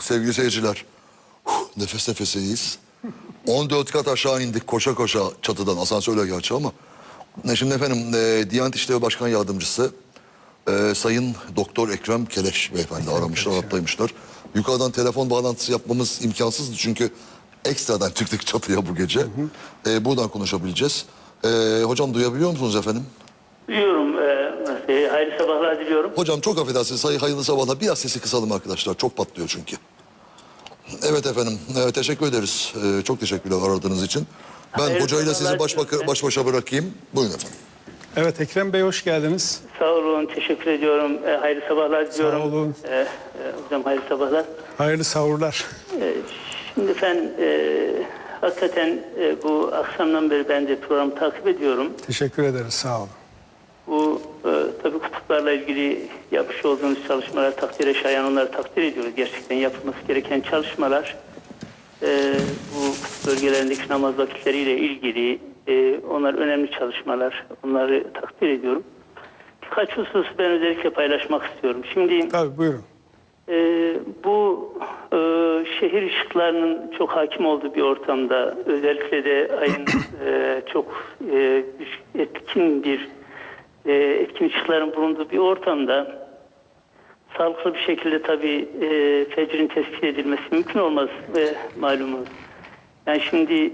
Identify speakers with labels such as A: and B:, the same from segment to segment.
A: sevgili seyirciler. Nefes nefeseyiz. 14 kat aşağı indik koşa koşa çatıdan. Asansörle gerçi ama. Şimdi efendim Diyanet İşleri Başkan Yardımcısı Sayın Doktor Ekrem Keleş beyefendi aramışlar, hattaymışlar. Yukarıdan telefon bağlantısı yapmamız imkansızdı çünkü ekstradan çıktık çatıya bu gece. Buradan konuşabileceğiz. Hocam duyabiliyor musunuz efendim?
B: Duyuyorum. Hayırlı sabahlar diliyorum.
A: Hocam çok affedersiniz. Hayırlı sabahlar. Biraz sesi kısalım arkadaşlar. Çok patlıyor çünkü. Evet efendim. Teşekkür ederiz. Çok teşekkürler aradığınız için. Ben
B: Hayırlı
A: hocayla sizi
B: sabahlar
A: baş başa bırakayım. Buyurun efendim.
C: Evet Ekrem Bey hoş geldiniz.
B: Sağ olun. Teşekkür ediyorum. Hayırlı sabahlar diliyorum.
C: Sağ olun.
B: Hocam hayırlı sabahlar.
C: Hayırlı sahurlar.
B: Şimdi efendim hakikaten bu akşamdan beri ben de programı takip ediyorum.
C: Teşekkür ederiz, sağ olun.
B: Bu tabii kutuplarla ilgili yapmış olduğunuz çalışmalar takdire şayan, onları takdir ediyoruz. Gerçekten yapılması gereken çalışmalar. Bu kutup bölgelerindeki namaz vakitleriyle ilgili onlar önemli çalışmalar. Onları takdir ediyorum. Birkaç hususu ben özellikle paylaşmak istiyorum. Şimdi
C: Tabii buyurun.
B: bu şehir ışıklarının çok hakim olduğu bir ortamda, özellikle de ayın çok etkin ışıkların bulunduğu bir ortamda sağlıklı bir şekilde tabii fecrin tespit edilmesi mümkün olmaz malumunuz. Yani şimdi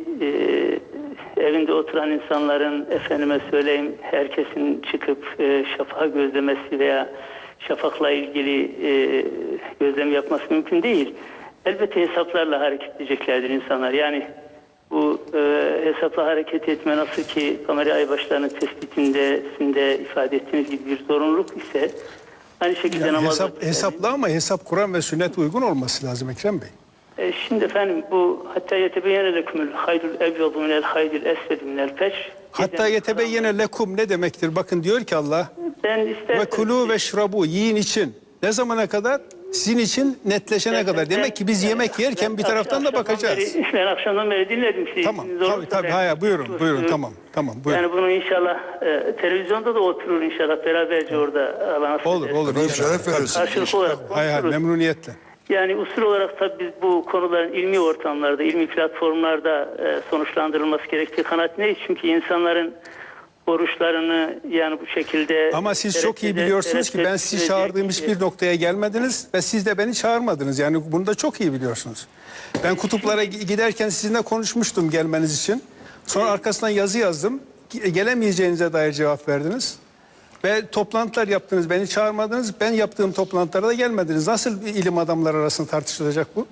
B: evinde oturan insanların, efendime söyleyeyim, herkesin çıkıp şafağı gözlemesi veya şafakla ilgili gözlem yapması mümkün değil. Elbette hesaplarla hareket edeceklerdir insanlar. Yani bu hesapla hareket etme nasıl ki kamera aybaşlarının tespitinde ifade ettiğiniz gibi bir zorunluluk ise aynı şekilde
C: Yani
B: namaz
C: hesaplı ama hesap Kur'an ve sünnet uygun olması lazım Ekrem Bey.
B: Şimdi efendim bu hatta yetebeyyene lekumul haydul ebyadu minel haydil esvedi minel feşr.
C: Hatta yetebeyyene lekum ne demektir? Bakın diyor ki Allah ve kulu ve şrabu yiyin için. Ne zamana kadar? Sizin için netleşene kadar. Demek ki biz yemek yerken bir taraftan da bakacağız.
B: Ben akşamdan beri dinledim sizi.
C: Tamam. Tabii. Hayır, buyurun. Tamam. Buyurun.
B: Yani bunu inşallah televizyonda da oturur inşallah beraberce orada alana.
C: Olur.
A: Şeref verirsiniz.
B: Karşılıklı olarak
C: Hayır, memnuniyetle.
B: Yani usul olarak tabii biz bu konuların ilmi ortamlarda, ilmi platformlarda sonuçlandırılması gerektiği kanaatindeyiz. Çünkü insanların oruçlarını yani bu şekilde...
C: Ama siz çok iyi biliyorsunuz ki ben sizi çağırdığım hiçbir noktaya gelmediniz ve siz de beni çağırmadınız. Yani bunu da çok iyi biliyorsunuz. Ben kutuplara giderken sizinle konuşmuştum gelmeniz için. Sonra arkasından yazı yazdım. Gelemeyeceğinize dair cevap verdiniz. Ve toplantılar yaptınız, beni çağırmadınız. Ben yaptığım toplantılara da gelmediniz. Nasıl ilim adamları arasında tartışılacak bu?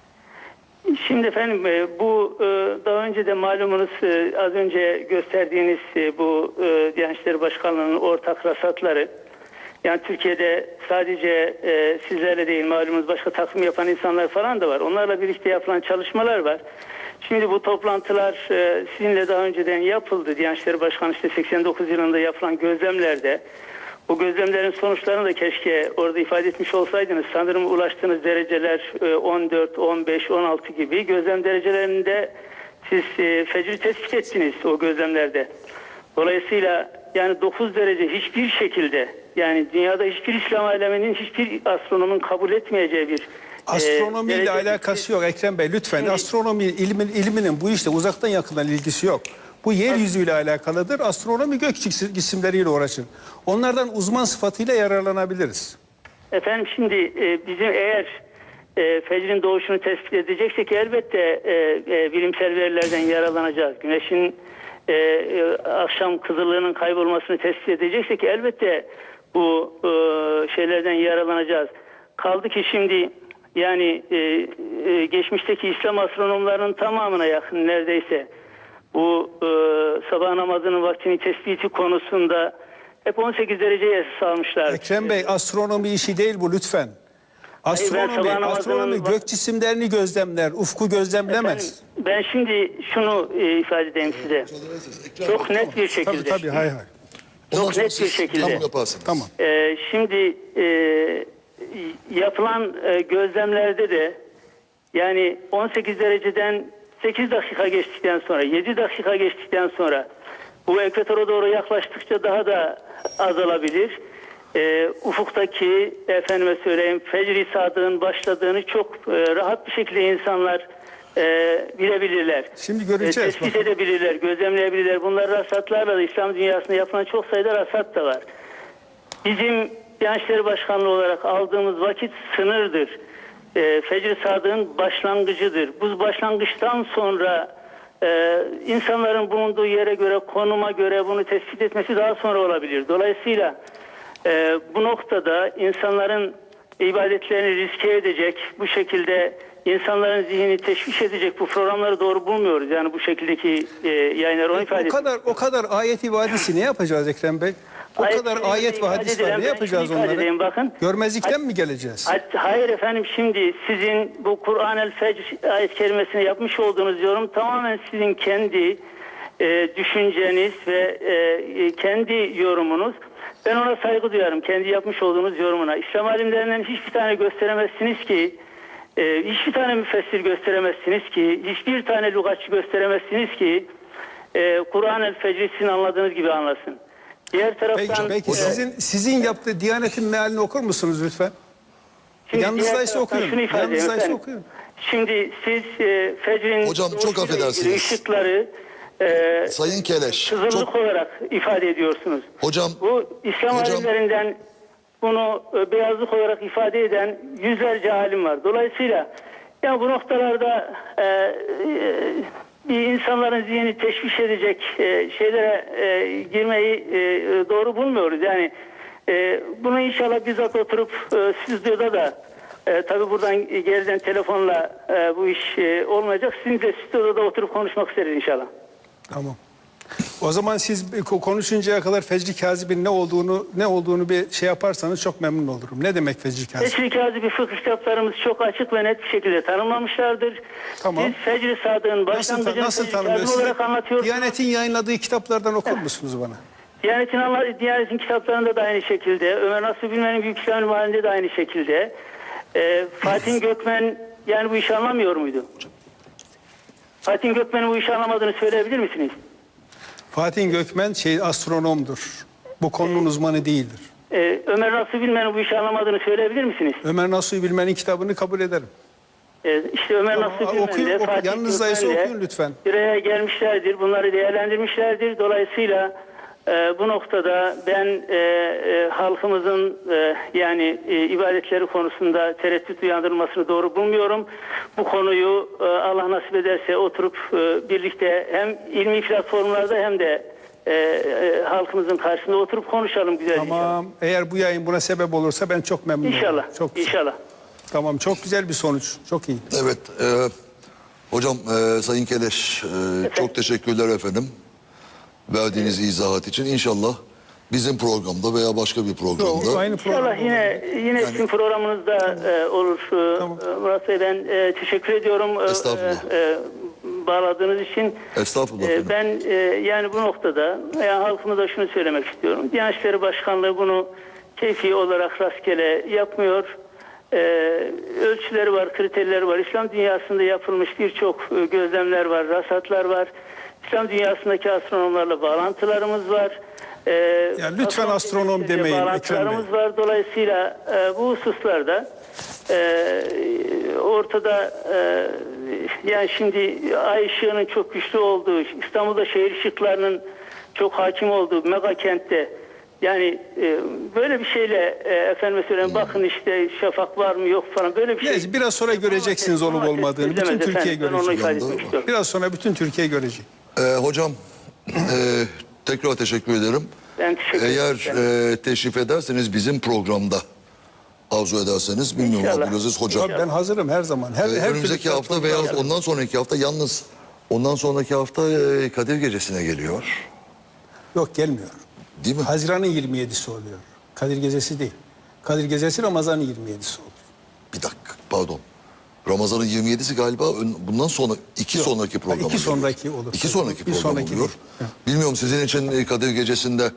B: Şimdi efendim bu daha önce de malumunuz az önce gösterdiğiniz bu Diyanet İşleri Başkanlığı'nın ortak rasatları. Yani Türkiye'de sadece sizlerle değil malumunuz başka takvim yapan insanlar falan da var. Onlarla birlikte yapılan çalışmalar var. Şimdi bu toplantılar sizinle daha önceden yapıldı. Diyanet İşleri Başkanı işte 89 yılında yapılan gözlemlerde. Bu gözlemlerin sonuçlarını da keşke orada ifade etmiş olsaydınız. Sanırım ulaştığınız dereceler 14, 15, 16 gibi gözlem derecelerinde siz fecri tespit ettiniz o gözlemlerde. Dolayısıyla yani 9 derece hiçbir şekilde yani dünyada hiçbir İslam aleminin hiçbir astronomun kabul etmeyeceği bir
C: astronomiyle alakası yok Ekrem Bey lütfen.
B: Şimdi,
C: astronomi ilminin bu işte uzaktan yakından ilgisi yok. Bu yeryüzüyle alakalıdır. Astronomi gök cisimleriyle uğraşır. Onlardan uzman sıfatıyla yararlanabiliriz.
B: Efendim şimdi bizim eğer fecrin doğuşunu tespit edeceksek elbette bilimsel verilerden yararlanacağız. Güneşin akşam kızıllığının kaybolmasını tespit edeceksek elbette bu şeylerden yararlanacağız. Kaldı ki şimdi yani geçmişteki İslam astronomlarının tamamına yakın neredeyse bu sabah namazının vaktini tespiti konusunda hep 18 dereceye esas almışlar.
C: Ekrem Bey astronomi işi değil bu lütfen. Astronomi gök cisimlerini gözlemler, ufku gözlemlemez.
B: Efendim, ben şimdi şunu ifade edeyim size. Çok net bir şekilde.
C: Tabii hay.
B: Çok net bir şekilde.
C: Tamam.
B: Şimdi yapılan gözlemlerde de yani 18 dereceden 8 dakika geçtikten sonra 7 dakika geçtikten sonra bu ekvatora doğru yaklaştıkça daha da azalabilir. Ufuktaki efendime söyleyeyim Fecr-i Sadık'ın başladığını çok rahat bir şekilde insanlar bilebilirler.
C: Şimdi göreceğiz.
B: Tespit edebilirler, gözlemleyebilirler. Bunlar rasatlarla da İslam dünyasında yapılan çok sayıda rasat da var. Bizim Diyanet İşleri Başkanlığı olarak aldığımız vakit sınırdır. Fecr-i Sadık'ın başlangıcıdır. Bu başlangıçtan sonra insanların bulunduğu yere göre, konuma göre bunu tespit etmesi daha sonra olabilir. Dolayısıyla bu noktada insanların ibadetlerini riske edecek, bu şekilde insanların zihnini teşviş edecek bu programları doğru bulmuyoruz. Yani bu şekildeki yayınları onu ifade ediyor.
C: O kadar ayet-i vadisi ne yapacağız Ekrem Bey? O kadar ayet ve hadis var. Ne yapacağız onları?
B: Bakın.
C: Görmezlikten mi geleceğiz?
B: Hayır efendim, şimdi sizin bu Kur'an-el Fecr ayet kerimesine yapmış olduğunuz yorum tamamen sizin kendi düşünceniz ve kendi yorumunuz. Ben ona saygı duyarım, kendi yapmış olduğunuz yorumuna. İslam alimlerinden hiçbir tane gösteremezsiniz ki, hiçbir tane müfessir gösteremezsiniz ki, hiçbir tane lügatçı gösteremezsiniz ki Kur'an-el Fecr'i sizin anladığınız gibi anlasın. Diğer taraftan
C: Peki sizin yaptığı Diyanet'in mealini okur musunuz lütfen? Yanınızdaysa okuyun. Yanınızdaysa okuyun.
B: Şimdi siz Fecr'in
A: hocam çok affedersiniz.
B: Işıkları
A: Sayın Keleş.
B: kızıllık olarak ifade ediyorsunuz.
A: Hocam.
B: Bu İslam alimlerinden bunu beyazlık olarak ifade eden yüzlerce alim var. Dolayısıyla ya bu noktalarda bir insanların zihnini teşviş edecek şeylere girmeyi doğru bulmuyoruz. Yani bunu inşallah bizzat oturup stüdyoda da tabii buradan geriden telefonla bu iş olmayacak. Sizin de stüdyoda da oturup konuşmak isteriz inşallah.
C: Tamam. O zaman siz konuşuncaya kadar Fecr-i Kazib'in ne olduğunu bir şey yaparsanız çok memnun olurum. Ne demek Fecr-i Kazib?
B: Fecr-i Kazib'i fıkıh kitaplarımız çok açık ve net bir şekilde tanımlamışlardır.
C: Tamam.
B: Siz Fecr-i Sadık'ın başlangıcını
C: Nasıl
B: Fecr-i Kazib
C: tanımlıyorsunuz?
B: olarak anlatıyorsunuz.
C: Diyanet'in yayınladığı kitaplardan okur musunuz bana?
B: Diyanet'in kitaplarında da aynı şekilde. Ömer Nasuh Bilmen'in Büyük İslam Halinde de aynı şekilde. Fatih Gökmen yani bu işi anlamıyor muydu? Fatih Gökmen'in bu işi anlamadığını söyleyebilir misiniz?
C: Fatih Gökmen astronomdur. Bu konunun uzmanı değildir.
B: Ömer Nasuh Bilmen'in bu işi anlamadığını söyleyebilir misiniz?
C: Ömer Nasuh Bilmen'in kitabını kabul ederim.
B: İşte Ömer Nasuh Bilmen'le Fatih
C: yanınızdaysa okuyun
B: Gökmen'le
C: lütfen.
B: bir araya gelmişlerdir. Bunları değerlendirmişlerdir. Dolayısıyla bu noktada ben halkımızın yani ibadetleri konusunda tereddüt uyandırılmasını doğru bulmuyorum. Bu konuyu Allah nasip ederse oturup birlikte hem ilmi platformlarda hem de halkımızın karşısında oturup konuşalım güzel inşallah.
C: Tamam. Eğer bu yayın buna sebep olursa ben çok memnun olurum.
B: İnşallah.
C: Çok güzel.
B: İnşallah.
C: Tamam, çok güzel bir sonuç. Çok iyi.
A: Evet. Hocam Sayın Keleş çok teşekkürler efendim. Verdiğiniz izahat için. İnşallah bizim programda veya başka bir programda.
C: Aynı program.
B: İnşallah yine sizin programınızda olur.
C: Tamam.
B: Murat Bey, ben teşekkür ediyorum.
A: Estağfurullah.
B: Bağladığınız için.
A: Estağfurullah efendim.
B: Ben yani bu noktada halkımıza şunu söylemek istiyorum. Diyanet İşleri Başkanlığı bunu keyfi olarak rastgele yapmıyor. Ölçüleri var, kriterleri var. İslam dünyasında yapılmış birçok gözlemler var, rasatlar var. İslam dünyasındaki astronomlarla bağlantılarımız var.
C: Yani lütfen astronom demeyin
B: bağlantılarımız var. Dolayısıyla bu hususlarda ortada yani şimdi ay ışığının çok güçlü olduğu, İstanbul'da şehir ışıklarının çok hakim olduğu mega kentte yani böyle bir şeyle efendime söyleyeyim bakın işte şafak var mı yok falan böyle bir şey.
C: Neyse, biraz sonra göreceksiniz olup olmadığını. Bütün Türkiye görecek. Biraz sonra bütün Türkiye görecek.
A: Hocam tekrar teşekkür ederim.
B: Ben teşekkür ederim.
A: Eğer teşrif ederseniz bizim programda arzu ederseniz bilmiyorum
B: İnşallah.
A: Abdülaziz Hocam.
C: Ben hazırım her zaman. Her
A: Önümüzdeki
C: türlü
A: hafta veya ondan sonraki hafta yalnız ondan sonraki hafta Kadir Gecesi'ne geliyor.
C: Yok, gelmiyor.
A: Değil mi?
C: Haziran'ın 27'si oluyor. Kadir Gecesi değil. Kadir Gecesi Ramazan'ın 27'si oluyor.
A: Bir dakika pardon. Ramazan'ın 27'si galiba bundan sonra sonraki program.
C: İki sonraki olur.
A: İki sonraki
C: Bir
A: program
C: sonraki
A: oluyor.
C: değil.
A: Bilmiyorum sizin için Kadir Gecesi'nde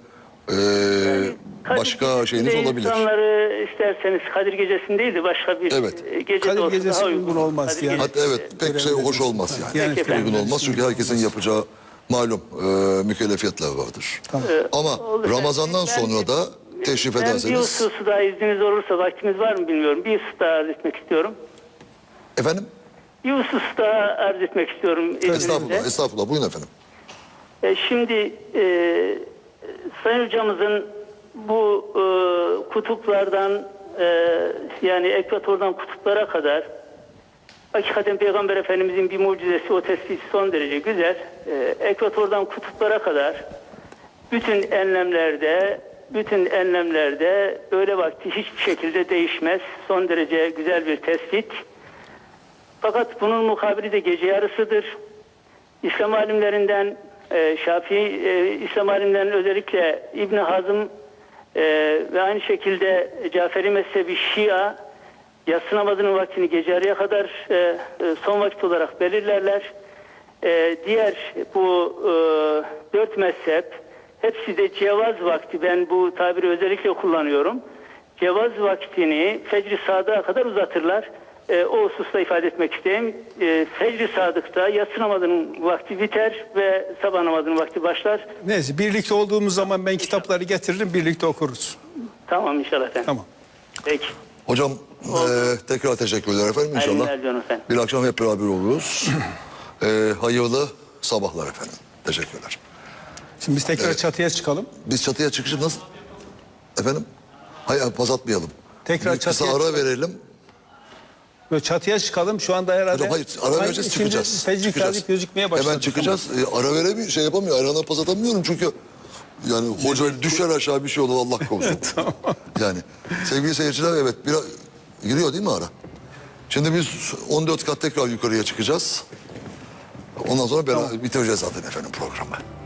A: başka
B: Kadir
A: şeyiniz
B: Gecesi'nde
A: olabilir.
B: İnsanları isterseniz Kadir Gecesi'ndeydi başka bir
A: Evet.
B: gece
C: Kadir
B: de olsa
C: Gecesi
B: daha
C: uygun olmaz
B: Kadir
C: yani.
B: Gecesi.
A: Hatta evet pek şey hoş olmaz yani.
C: Yani
B: Peki efendim.
A: Uygun olmaz çünkü herkesin yapacağı malum mükellefiyetler vardır.
C: Tamam.
A: Ama
B: Olur.
A: Ramazan'dan
B: Ben
A: sonra da teşrif
B: Ben bir
A: ederseniz.
B: hususu daha izniniz olursa, vaktimiz var mı bilmiyorum. Bir husus daha arz etmek istiyorum.
A: Efendim?
B: Bir husus daha arz etmek istiyorum.
A: Estağfurullah, estağfurullah. Buyurun efendim.
B: Şimdi Sayın Hocamızın bu kutuplardan yani ekvatordan kutuplara kadar hakikaten Peygamber Efendimizin bir mucizesi, o tespiti son derece güzel. Ekvatordan kutuplara kadar bütün enlemlerde öğle vakti hiçbir şekilde değişmez. Son derece güzel bir tespit. Fakat bunun mukabili de gece yarısıdır. İslam alimlerinden İslam alimlerinden özellikle İbn Hazm ve aynı şekilde Caferi mezhebi Şia yatsı namazının vaktini gece yarıya kadar son vakit olarak belirlerler. Diğer bu 4 mezhep hepsi de cevaz vakti, ben bu tabiri özellikle kullanıyorum. Cevaz vaktini fecr-i sadığa kadar uzatırlar. O hususta ifade etmek isteyeyim. Fecr-i sadıkta yatsı namazının vakti biter ve sabah namazının vakti başlar.
C: Neyse, birlikte olduğumuz zaman ben kitapları getiririm, birlikte okuruz.
B: Tamam inşallah efendim.
C: Tamam.
B: Peki.
A: Hocam tekrar teşekkürler efendim. İnşallah
B: Hayırlı günler efendim.
A: bir akşam hep beraber oluruz. Hayırlı sabahlar efendim. Teşekkürler.
C: Şimdi biz tekrar çatıya çıkalım.
A: Biz çatıya çıkışı nasıl? Efendim? Hayır, pas atmayalım.
C: Tekrar
A: Bir kısa
C: çatıya
A: ara verelim.
C: Böyle çatıya çıkalım. Şu anda herhalde...
A: Hocam hayır, ara vereceğiz,
C: Şimdi
A: çıkacağız.
C: fecr
A: Çıkacağız.
C: kâzip gözükmeye başladı.
A: Hemen çıkacağız. Ara veremiyor, şey yapamıyor. Ayran'a pas atamıyorum çünkü yani hoca düşer aşağı bir şey olur Allah korusun.
C: Tamam.
A: Yani sevgili seyirciler, evet biraz giriyor değil mi ara? Şimdi biz 14 kat tekrar yukarıya çıkacağız. Ondan sonra bitireceğiz zaten efendim programı.